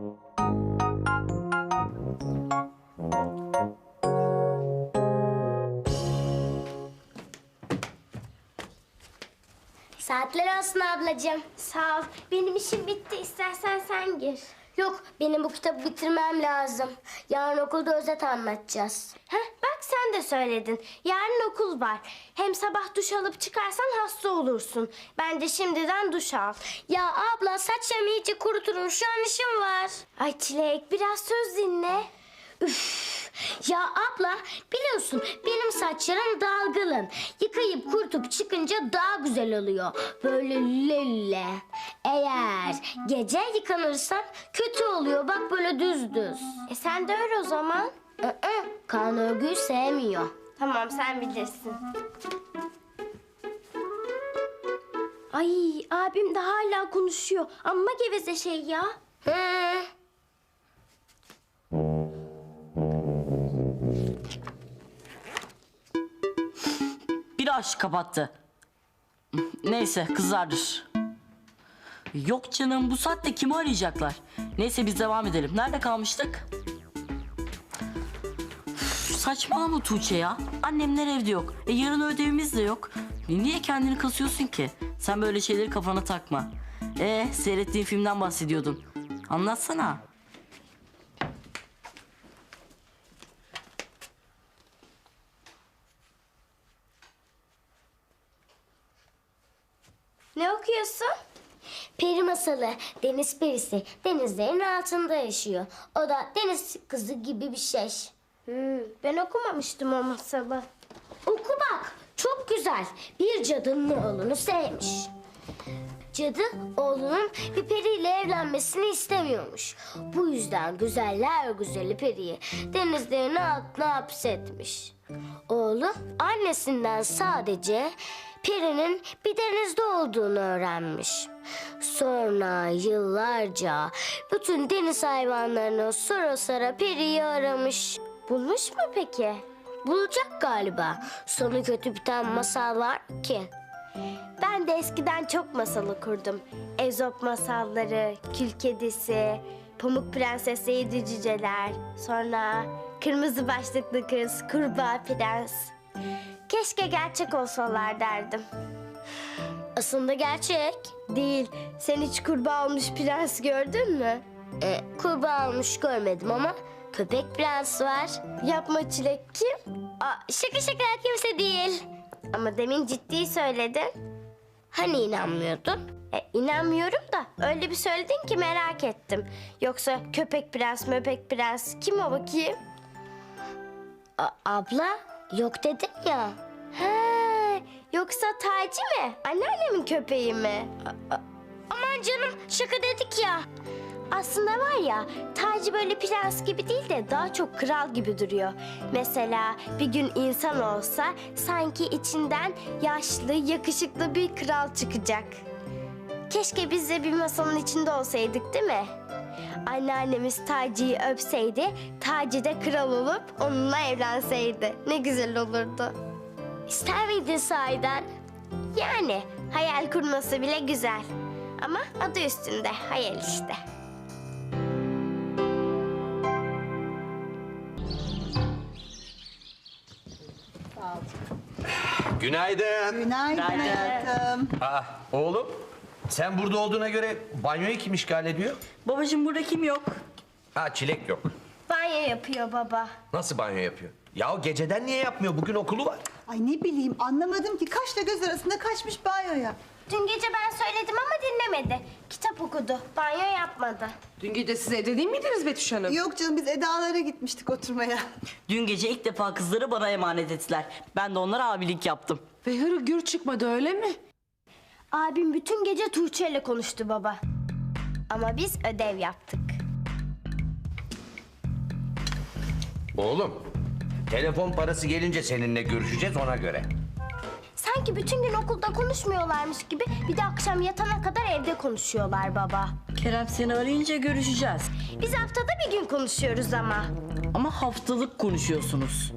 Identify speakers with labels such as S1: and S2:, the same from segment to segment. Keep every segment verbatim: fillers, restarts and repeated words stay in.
S1: Saatler olsun ablacığım.
S2: Sağ ol. Benim işim bitti. İstersen sen gir.
S1: Yok, benim bu kitabı bitirmem lazım. Yarın okulda özet anlatacağız.
S2: Heh, bak sen de söyledin. Yarın okul var. Hem sabah duş alıp çıkarsan hasta olursun. Bence şimdiden duş al.
S1: Ya abla, saçlarımı iyice kuruturum. Şu an işim var.
S2: Ay Çilek, biraz söz dinle.
S1: Üf. Ya abla, biliyorsun benim saçlarım dalgalı. Yıkayıp kurutup çıkınca daha güzel oluyor. Böyle lülle. Eğer gece yıkanırsan kötü oluyor. Bak böyle düz düz.
S2: E sen de öyle o zaman.
S1: Ee, kan örgüyü sevmiyor.
S2: Tamam, sen bilirsin. Ay abim de hala konuşuyor. Amma geveze şey ya.
S1: Hı.
S3: Bir aşk kapattı. Neyse, kızlardır. Yok canım, bu saatte kimi arayacaklar? Neyse, biz devam edelim. Nerede kalmıştık? Üf, saçmalama Tuğçe ya. Annemler evde yok. E, yarın ödevimiz de yok. E, niye kendini kasıyorsun ki? Sen böyle şeyleri kafana takma. E, seyrettiğin filmden bahsediyordun. Anlatsana.
S2: Ne okuyorsun?
S1: Peri masalı, deniz perisi denizlerin altında yaşıyor. O da deniz kızı gibi bir şey.
S2: Hmm, ben okumamıştım o masalı.
S1: Oku bak, çok güzel. Bir cadının oğlunu sevmiş. Cadı oğlunun bir periyle evlenmesini istemiyormuş. Bu yüzden güzeller güzeli periyi denizlerin altına hapsetmiş. Oğlu annesinden sadece perinin bir denizde olduğunu öğrenmiş. Sonra yıllarca bütün deniz hayvanlarını sora sora periyi aramış.
S2: Bulmuş mu peki?
S1: Bulacak galiba. Sonu kötü biten masal var ki.
S2: Ben de eskiden çok masal okurdum. Ezop masalları, Kül Kedisi, Pamuk Prenses, Yedi Cüceler, sonra Kırmızı Başlıklı Kız, Kurbağa Prens. Keşke gerçek olsalar derdim.
S1: Aslında gerçek.
S2: Değil. Sen hiç kurbağa olmuş prens gördün mü?
S1: E, kurbağa olmuş görmedim ama köpek prens var.
S2: Yapma Çilek, kim?
S1: Aa, şaka şaka, kimse değil.
S2: Ama demin ciddi söyledin.
S1: Hani inanmıyordun?
S2: E, inanmıyorum da öyle bir söyledin ki merak ettim. Yoksa köpek prens, möpek prens kim o bakayım?
S1: A- abla yok dedim ya.
S2: He, yoksa Taci mi? Anneannemin köpeği mi?
S1: Aman canım, şaka dedik ya.
S2: Aslında var ya, Taci böyle prens gibi değil de daha çok kral gibi duruyor. Mesela bir gün insan olsa sanki içinden yaşlı, yakışıklı bir kral çıkacak. Keşke biz de bir masanın içinde olsaydık, değil mi? Anneannemiz Taci'yi öpseydi, Taci de kral olup onunla evlenseydi. Ne güzel olurdu.
S1: İster miydin sahiden?
S2: Yani hayal kurması bile güzel. Ama adı üstünde, hayal işte.
S4: Günaydın.
S5: Günaydın hayatım.
S4: Aa, oğlum, sen burada olduğuna göre banyoyu kim işgal ediyor?
S3: Babacığım, burada kim yok?
S4: Ha, Çilek yok.
S2: Banyo yapıyor baba.
S4: Nasıl banyo yapıyor? Ya o geceden niye yapmıyor? Bugün okulu var.
S5: Ay ne bileyim anlamadım ki kaşla göz arasında kaçmış banyoya.
S2: Dün gece ben söyledim ama dinlemedi. Kitap okudu, banyo yapmadı.
S6: Dün gece siz evde değil miydiniz Betüş Hanım?
S5: Yok canım biz Eda'lara gitmiştik oturmaya.
S3: Dün gece ilk defa kızları bana emanet ettiler. Ben de onlara abilik yaptım.
S6: Ve hırı gür çıkmadı öyle mi?
S2: Abim bütün gece Tuğçe ile konuştu baba. Ama biz ödev yaptık.
S4: Oğlum, telefon parası gelince seninle görüşeceğiz ona göre.
S2: Sanki bütün gün okulda konuşmuyorlarmış gibi bir de akşam yatana kadar evde konuşuyorlar baba.
S3: Kerem seni arayınca görüşeceğiz.
S2: Biz haftada bir gün konuşuyoruz ama.
S3: Ama haftalık konuşuyorsunuz.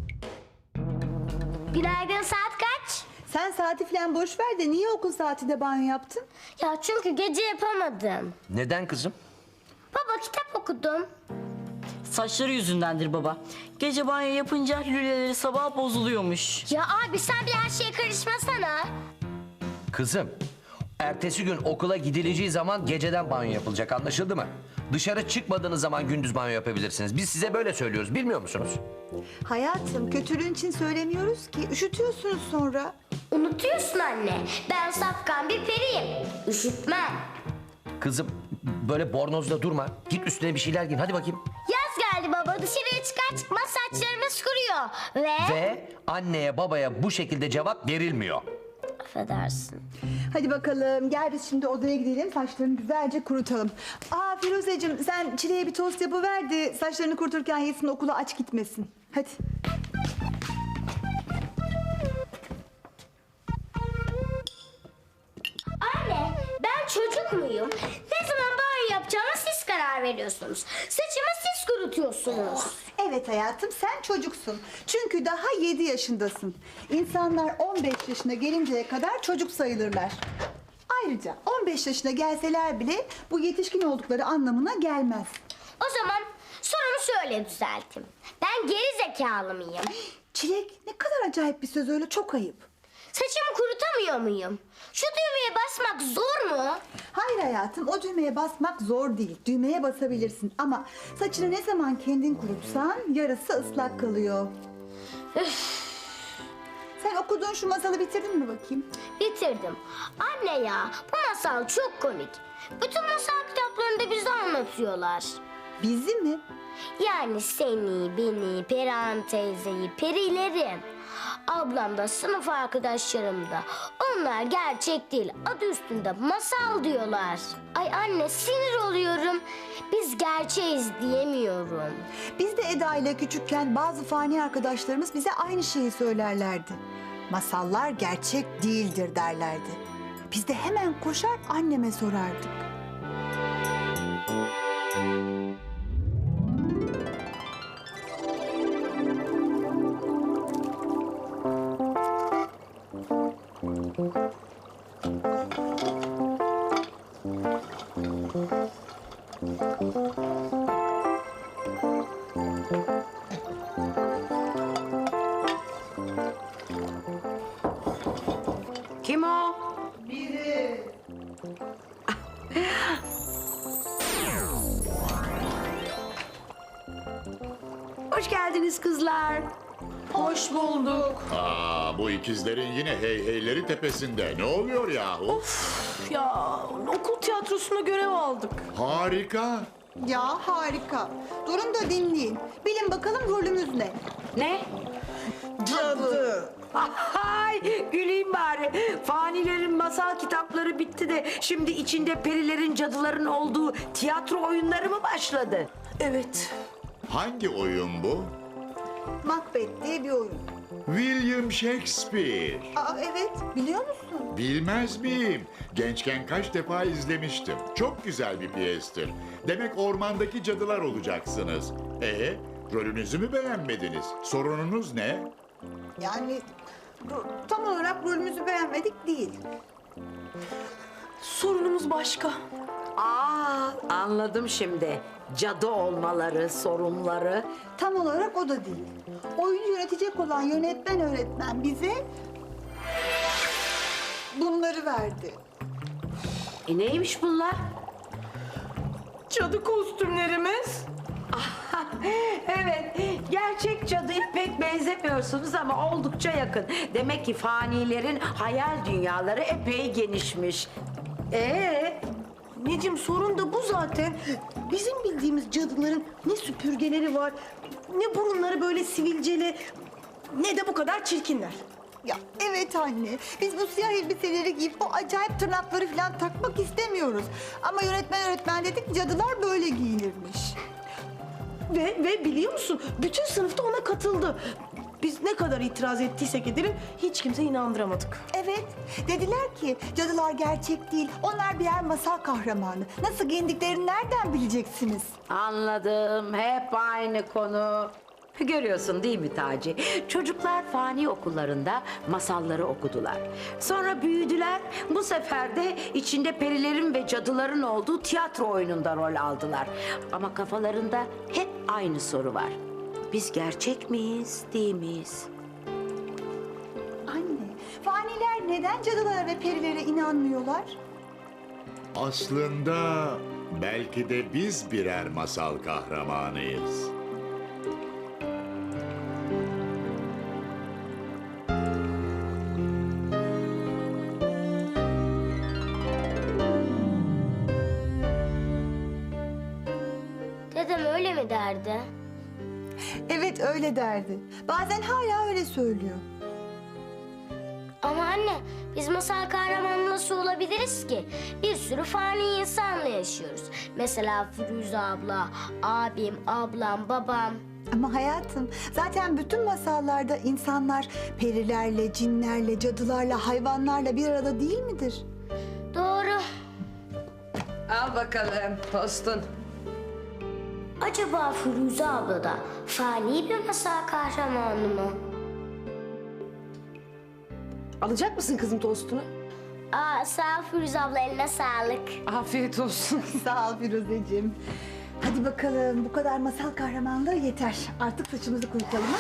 S1: Günaydın, saat kaç?
S5: Sen saati falan boş ver de niye okul saatinde banyo yaptın?
S1: Ya çünkü gece yapamadım.
S4: Neden kızım?
S1: Baba kitap okudum.
S3: Saçları yüzündendir baba. Gece banyo yapınca lüleleri sabah bozuluyormuş.
S1: Ya abi sen bir her şeye karışmasana.
S4: Kızım, ertesi gün okula gidileceği zaman geceden banyo yapılacak, anlaşıldı mı? Dışarı çıkmadığınız zaman gündüz banyo yapabilirsiniz. Biz size böyle söylüyoruz, bilmiyor musunuz?
S5: Hayatım kötülüğün için söylemiyoruz ki. Üşütüyorsunuz sonra.
S1: Unutuyorsun anne. Ben safkan bir periyim. Üşütmem.
S4: Kızım, böyle bornozda durma. Git üstüne bir şeyler giyin, hadi bakayım.
S1: Yaz geldi baba. Dışarıya çıkar çıkmaz saçlarımız kuruyor. Ve...
S4: Ve anneye babaya bu şekilde cevap verilmiyor.
S1: Affedersin.
S5: Hadi bakalım gel biz şimdi odaya gidelim. Saçlarını güzelce kurutalım. Aa Firuzeciğim sen Çile'ye bir tost yapıver de saçlarını kuruturken yesin, okula aç gitmesin. Hadi.
S1: Anne ben çocuk muyum? Ne zaman banyo yapacağıma siz karar veriyorsunuz. Saçımı siz kurutuyorsunuz.
S5: Evet hayatım sen çocuksun. Çünkü daha yedi yaşındasın. İnsanlar on beş yaşına gelinceye kadar çocuk sayılırlar. Ayrıca on beş yaşına gelseler bile bu yetişkin oldukları anlamına gelmez.
S1: O zaman sorumu şöyle düzelteyim. Ben geri zekalı mıyım?
S5: Çilek ne kadar acayip bir söz öyle, çok ayıp.
S1: Saçımı kurutamıyor muyum? Şu düğmeye basmak zor mu?
S5: Hayır hayatım, o düğmeye basmak zor değil. Düğmeye basabilirsin ama saçını ne zaman kendin kurutsan yarısı ıslak kalıyor. Sen okuduğun şu masalı bitirdin mi bakayım?
S1: Bitirdim. Anne ya bu masal çok komik. Bütün masal kitaplarında bize anlatıyorlar.
S5: Bizi mi?
S1: Yani seni, beni, Perihan teyzeyi, perileri. Ablam da sınıf arkadaşlarım da. Onlar gerçek değil. Adı üstünde masal diyorlar. Ay anne sinir oluyorum. Biz gerçeğiz diyemiyorum.
S5: Biz de Eda ile küçükken bazı fani arkadaşlarımız bize aynı şeyi söylerlerdi. Masallar gerçek değildir derlerdi. Biz de hemen koşar anneme sorardık.
S6: Kim o? Hoş geldiniz kızlar. Hoş bulduk.
S7: Aa, bu ikizlerin yine hey heyleri tepesinde. Ne oluyor yahu?
S6: Ya okul tiyatrosuna görev aldık.
S7: Harika.
S5: Ya harika. Durun da dinleyin. Bilin bakalım rolümüz ne?
S8: Ne?
S5: Cadı.
S8: Ay güleyim bari. Fanilerin masal kitapları bitti de şimdi içinde perilerin, cadıların olduğu tiyatro oyunları mı başladı?
S6: Evet.
S7: Hangi oyun bu?
S5: Macbeth diye bir oyun.
S7: William Shakespeare.
S5: Aa evet, biliyor musun?
S7: Bilmez miyim? Gençken kaç defa izlemiştim. Çok güzel bir piyestir. Demek ormandaki cadılar olacaksınız. Ee, rolünüzü mü beğenmediniz? Sorununuz ne?
S5: Yani ro- tam olarak rolümüzü beğenmedik değil.
S6: Sorunumuz başka.
S8: Aa anladım şimdi. Cadı olmaları, sorunları.
S5: Tam olarak o da değil. Oyunu yönetecek olan yönetmen öğretmen bize bunları verdi.
S8: E neymiş bunlar?
S6: Cadı kostümlerimiz.
S8: Evet, gerçek cadıya pek benzemiyorsunuz ama oldukça yakın. Demek ki fanilerin hayal dünyaları epey genişmiş. Ee,
S6: Necim sorun da bu zaten. Bizim bildiğimiz cadıların ne süpürgeleri var, ne burunları böyle sivilceli, ne de bu kadar çirkinler.
S5: Ya evet anne, biz bu siyah elbiseleri giyip o acayip tırnakları falan takmak istemiyoruz. Ama yönetmen öğretmen dedik, cadılar böyle giyinirmiş.
S6: Ve, ve biliyor musun bütün sınıfta ona katıldı. Biz ne kadar itiraz ettiysek edelim hiç kimse inandıramadık.
S5: Evet, dediler ki cadılar gerçek değil, onlar birer masal kahramanı. Nasıl giyindiklerini nereden bileceksiniz?
S8: anladım. Hep aynı konu. Görüyorsun değil mi Taci? Çocuklar fani okullarında masalları okudular. Sonra büyüdüler. Bu sefer de içinde perilerin ve cadıların olduğu tiyatro oyununda rol aldılar. Ama kafalarında hep aynı soru var. Biz gerçek miyiz, değil miyiz?
S5: Anne, faniler neden cadılara ve perilere inanmıyorlar?
S7: Aslında belki de biz birer masal kahramanıyız.
S1: Dedem öyle mi derdi?
S5: Evet öyle derdi. Bazen hala öyle söylüyor.
S1: Ama anne biz masal kahramanı nasıl olabiliriz ki? Bir sürü fani insanla yaşıyoruz. Mesela Firuze abla, abim, ablam, babam.
S5: Ama hayatım, zaten bütün masallarda insanlar perilerle, cinlerle, cadılarla, hayvanlarla bir arada değil midir?
S1: Doğru.
S8: Al bakalım tostun.
S1: Acaba Firuze abla da fani bir masal kahramanı mı?
S6: Alacak mısın kızım tostunu?
S1: Aa, sağ ol Firuze abla, eline sağlık.
S6: Afiyet olsun.
S5: Sağ ol Firuzeciğim. Hadi bakalım, bu kadar masal kahramanlığı yeter. Artık saçımızı kurutalım ha?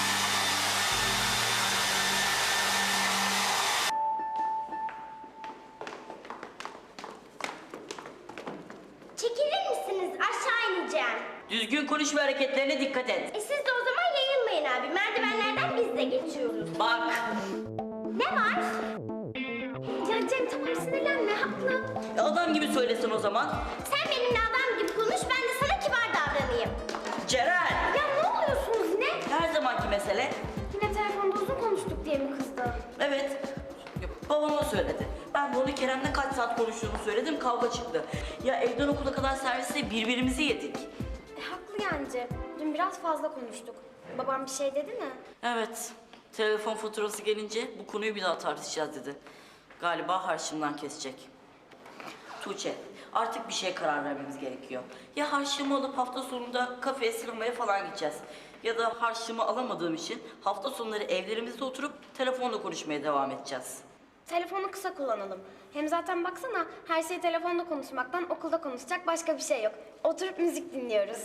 S2: Çekilir misiniz? Aşağı ineceğim.
S3: Düzgün konuş ve hareketlerine dikkat et.
S2: E siz de o zaman yayılmayın abi. Merdivenlerden biz de geçiyoruz.
S3: Bak.
S2: Ne var? Ya Cem tamam sinirlenme haklı.
S3: Adam gibi söylesin o zaman.
S2: Sen benimle adam gibi konuş, ben de sana kibar davranayım.
S3: Ceren.
S2: Ya ne oluyorsunuz yine?
S3: Her zamanki mesele.
S2: Yine telefonda uzun konuştuk diye mi kızdı?
S3: Evet. Babama söyledi. Ben de onu Kerem'le kaç saat konuştuğunu söyledim, kavga çıktı. Ya evden okula kadar serviste birbirimizi yedik.
S9: E, haklı yani Cem. Dün biraz fazla konuştuk. Babam bir şey dedi mi?
S3: Evet. Telefon faturası gelince bu konuyu bir daha tartışacağız dedi. Galiba harçlığımdan kesecek. Tuğçe, artık bir şeye karar vermemiz gerekiyor. Ya harçlığımı alıp hafta sonunda kafeye, sinemaya falan gideceğiz. Ya da harçlığımı alamadığım için hafta sonları evlerimizde oturup telefonla konuşmaya devam edeceğiz.
S9: Telefonu kısa kullanalım. Hem zaten baksana her şey telefonda konuşmaktan okulda konuşacak başka bir şey yok. Oturup müzik dinliyoruz.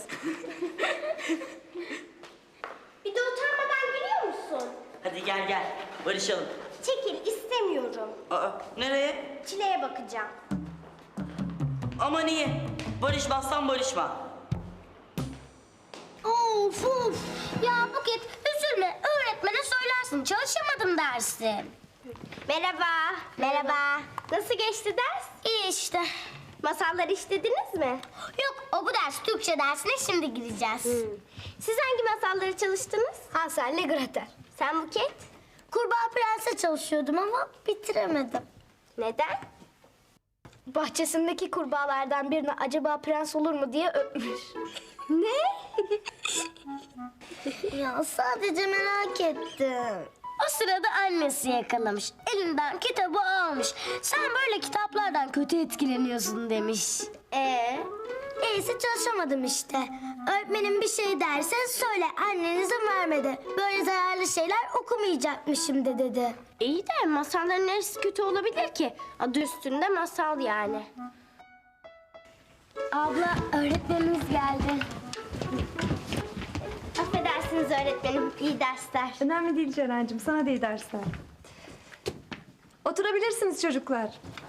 S2: Bir de utanmadan gülüyor musun?
S3: Hadi gel gel, barışalım.
S2: Çekil, istemiyorum.
S3: Aa, nereye?
S2: Çile'ye bakacağım.
S3: Ama niye? Barışmazsan barışma.
S1: Of of. Ya Buket üzülme, öğretmene söylersin, çalışamadım dersin.
S2: Merhaba. Merhaba. Nasıl geçti ders?
S1: İyi işte.
S2: Masalları işlediniz mi?
S1: Yok, o bu ders Türkçe dersine şimdi gideceğiz.
S2: Siz hangi masalları çalıştınız?
S1: Hansel'le Gretel.
S2: Sen Buket?
S1: Kurbağa Prens'e çalışıyordum ama bitiremedim.
S2: Neden?
S9: Bahçesindeki kurbağalardan birine acaba prens olur mu diye öpmüş.
S2: Ne?
S1: Ya sadece merak ettim. O sırada annesi yakalamış. Elinden kitabı almış. Sen böyle kitaplardan kötü etkileniyorsun demiş.
S2: Ee,
S1: Neyse çalışamadım işte. Öğretmenim bir şey derse söyle, annen izin vermedi. Böyle zararlı şeyler okumayacakmışım de dedi.
S2: iyi de masalların neresi kötü olabilir ki? Adı üstünde masal yani.
S1: Abla öğretmenimiz geldi.
S2: Affedersiniz öğretmenim, iyi dersler.
S10: Önemli değil Ceren'cim, sana da iyi dersler. Oturabilirsiniz çocuklar.